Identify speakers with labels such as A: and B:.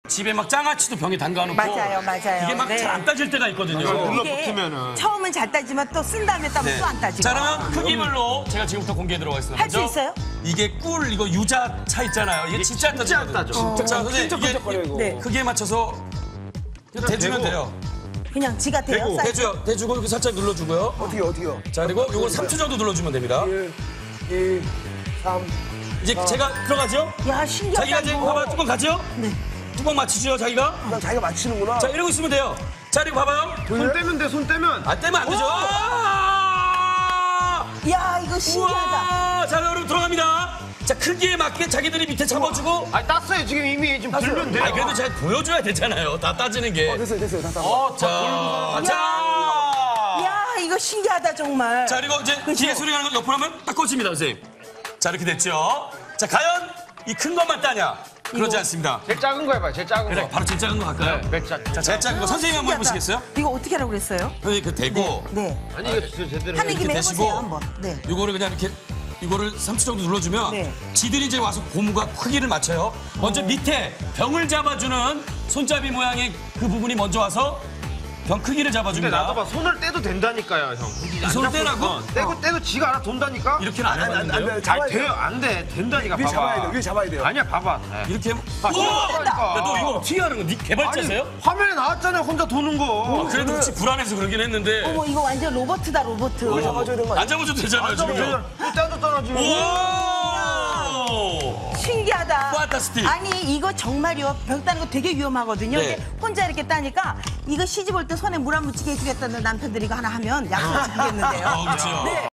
A: 집에 막 장아찌도 병에 담가놓고
B: 맞아요.
A: 이게 막 잘 안 따질 때가 있거든요.
B: 이게 처음은 잘 따지만 또 쓴 다음에 따면 또 안 따지고.
A: 자, 그러면 크기별로 제가 지금부터 공개해 들어가겠습니다.
B: 할 수 있어요?
A: 이게 꿀 이거 유자차 있잖아요. 이게 진짜 안 따지거든요. 자, 선생님 이게 크기에 맞춰서 대주면 돼요.
B: 그냥 지가 돼요?
A: 대주고 이렇게 살짝 눌러주고요.
C: 어떻게요?
A: 자, 그리고 이걸 3초 정도 눌러주면 됩니다.
C: 1, 2, 3.
A: 이제 제가 들어가죠?
B: 야, 신기하다.
A: 자기가 이제
B: 이거.
A: 봐봐, 뚜껑 가죠?
B: 네.
A: 뚜껑 맞추죠, 자기가?
C: 난 자기가 맞히는구나.
A: 자, 이러고 있으면 돼요. 자, 그리고 봐봐요.
D: 손 떼면 돼, 손 떼면.
A: 안 떼면 안 되죠.
B: 야, 이거 신기하다.
A: 우와! 자, 여러분 들어갑니다. 자, 크기에 맞게 자기들이 밑에 잡아주고.
D: 아니, 땄어요. 지금 이미 좀 불면 돼요.
A: 아, 그래도 잘 보여줘야 되잖아요. 다 따지는 게.
C: 됐어요. 다 따.
A: 자,
B: 야, 이거 신기하다, 정말.
A: 자, 그리고 이제 기계 소리 나는 거 옆으로 하면 딱 꽂힙니다, 선생님. 자, 이렇게 됐죠. 자, 과연 이 큰 것만 따냐? 그러지 않습니다.
D: 제일 작은 거 해봐요, 제일 작은
A: 그래,
D: 거.
A: 바로 제일 작은 거 갈까요?
D: 네,
A: 자, 제일 작은 거 선생님 한번 해보시겠어요?
B: 이거 어떻게 하라고 그랬어요?
A: 선생님 그 대고
B: 네.
D: 아니, 이거 제대로.
B: 하는 김에
A: 대시고.
B: 해보세요, 한번. 네.
A: 이거를 그냥 이렇게 이거를 3초 정도 눌러주면
B: 네.
A: 지들이 이제 와서 고무가 크기를 맞춰요. 먼저 밑에 병을 잡아주는 손잡이 모양의 그 부분이 먼저 와서 병 크기를
D: 근데
A: 잡아줍니다.
D: 나도 봐, 손을 떼도 된다니까요, 형. 굳이 안
A: 손
D: 잡고
A: 떼라고?
D: 있으면. 떼도 지가 알아 돈다니까?
A: 이렇게는 안 해봤는데요?
C: 안 잡아야
D: 아니, 돼요,
C: 돼요.
D: 안 돼. 된다니까,
C: 위에
D: 봐봐.
C: 잡아야 돼요. 위에 잡아야 돼요.
D: 아니야, 봐봐. 네.
A: 이렇게
D: 아,
A: 우와!
D: 된다니까.
A: 야, 너 이거 어떻게 하는 거? 네 개발자세요?
D: 아니, 화면에 나왔잖아요, 혼자 도는 거.
A: 그래도 혹시 불안해서 그러긴 했는데
B: 어머, 이거 완전 로버트다, 로버트.
C: 잡아줘야 되는 거 아니야?
A: 안 잡아줘도 되잖아요, 지금.
D: 떼줬잖아, 지금.
A: 우와!
B: 신기하다.
A: 판타스틱.
B: 아니, 이거 정말요. 병 따는 거 되게 위험하거든요.
A: 네.
B: 근데 혼자 이렇게 따니까 이거 시집 올 때 손에 물 안 묻히게 해주겠다는 남편들이 이거 하나 하면 약속 지키겠는데요.
A: 그렇죠.
B: 네.